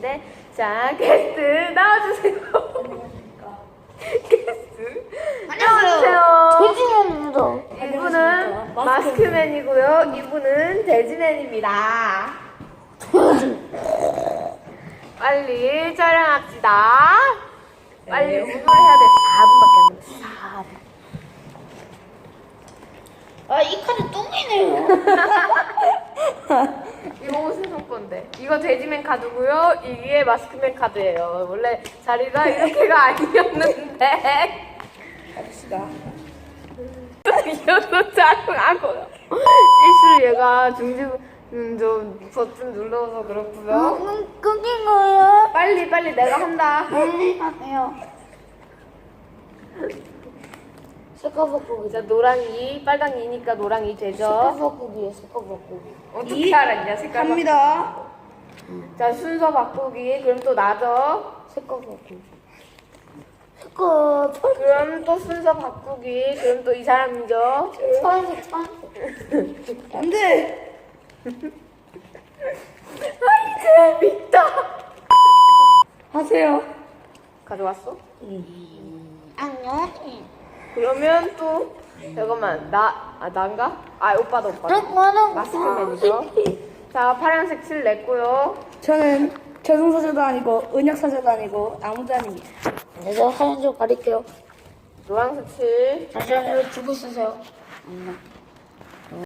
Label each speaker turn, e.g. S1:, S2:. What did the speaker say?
S1: 있는데, 자, 게스트 나와주세요. 게스트 나와주세요.
S2: 돼지맨입니다.
S1: 이분은 마스크맨이고요. 이분은 돼지맨입니다. 빨리 촬영합시다. 빨리 운동을 해야 돼. 4분밖에 안 남았어. 4분.
S2: 아, 이 카드 똥이네요.
S1: 이거 무슨 건데? 이거 돼지맨 카드고요. 이게 마스크맨 카드예요. 원래 자리가 이렇게가 아니었는데.
S2: 갑시다.
S1: 이어서 촬영하고요. 실수로 얘가 좀 버튼 눌러서 그렇고요.
S2: 끊긴 거예요?
S1: 빨리 내가 한다.
S2: 빨리 하세요. 색깔 바꾸기.
S1: 자, 노랑이, 빨강이니까 노랑이
S2: 색깔
S1: 되죠.
S2: 바꾸기에 색깔 바꾸기.
S1: 어떻게 알았냐, 색깔
S2: 갑니다.
S1: 자, 순서 바꾸기. 그럼 또 나죠.
S2: 색깔 바꾸기. 색깔
S1: 그럼 또 순서 바꾸기. 그럼 또 이 사람이죠.
S2: 파란색 파란색.
S3: 안 돼!
S1: 아이, 재밌다.
S3: 하세요.
S1: 가져왔어?
S2: 안녕.
S1: 그러면 또, 잠깐만, 난가? 아, 오빠도.
S2: 나는
S1: 마스크맨이죠. 자, 파란색 칠 냈고요.
S3: 저는 저승사자도 아니고 은약사자도 아니고 아무도 아닙니다.
S2: 내가 사연 좀 가릴게요.
S1: 노란색 칠.
S2: 잠시만요. 주고 있으세요.